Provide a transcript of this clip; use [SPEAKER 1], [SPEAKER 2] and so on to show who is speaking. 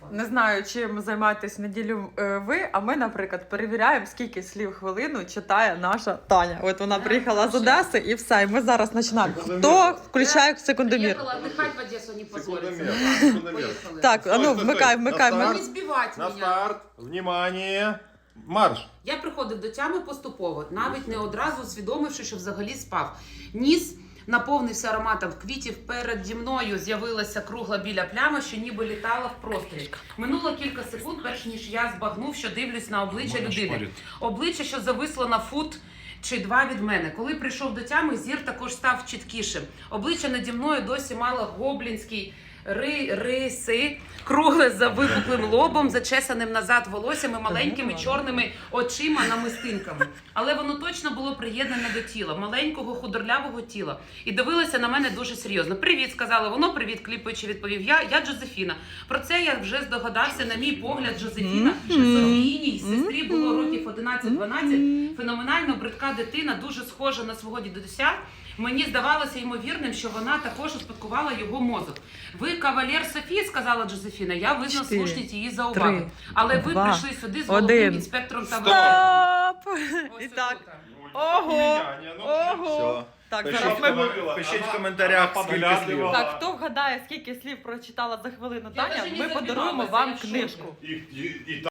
[SPEAKER 1] Не знаю, чим займаєтесь неділю ви, а ми, наприклад, перевіряємо, скільки слів в хвилину читає наша Таня. От вона приїхала з Одеси і все. І ми зараз починаємо. Хто включає секундомір?
[SPEAKER 2] Приехала отдыхать в Одессу, не позориться. Поехали.
[SPEAKER 1] Так, а ну вмикай.
[SPEAKER 2] Не збивати
[SPEAKER 3] На
[SPEAKER 2] мене.
[SPEAKER 3] старт, внимание, марш.
[SPEAKER 2] Я приходив до тями поступово, навіть не одразу усвідомивши, що взагалі спав. Ніс наповнився ароматом квітів. Переді мною з'явилася кругла біля плями, що ніби літала в просторі. Минуло кілька секунд, перш ніж я збагнув, що дивлюсь на обличчя людини. Обличчя, що зависло на фут чи два від мене. Коли прийшов до тями, зір також став чіткішим. Обличчя наді мною досі мало гоблінський риси, кругле за випуклим лобом, зачесаним назад волоссям і маленькими чорними очима намистинками. Але воно точно було приєднане до тіла, маленького худорлявого тіла. І дивилося на мене дуже серйозно. «Привіт», сказала воно, «привіт», кліпаючи, відповів я Джозефіна. Про це я вже здогадався, на мій погляд, Джозефіна, Софійній сестрі було років 11-12, феноменально бридка дитина, дуже схожа на свого дідуся. Мені здавалося ймовірним, що вона також успадкувала його мозок. «Ви кавалер Софії», сказала Джозефіна, я визнав слушність її зауваги. Але ви прийшли сюди з головним інспектором та
[SPEAKER 1] Стоп!
[SPEAKER 2] Ось
[SPEAKER 1] І так.
[SPEAKER 2] отут.
[SPEAKER 1] Ого! Ого! Так, зараз ми...
[SPEAKER 3] Пишіть в коментарях, скільки слів.
[SPEAKER 1] Так, хто вгадає, скільки слів прочитала за хвилину
[SPEAKER 2] Я
[SPEAKER 1] Таня,
[SPEAKER 2] даже не
[SPEAKER 1] ми
[SPEAKER 2] забивалася,
[SPEAKER 1] подаруємо вам
[SPEAKER 2] я в шокі.
[SPEAKER 1] книжку.
[SPEAKER 3] І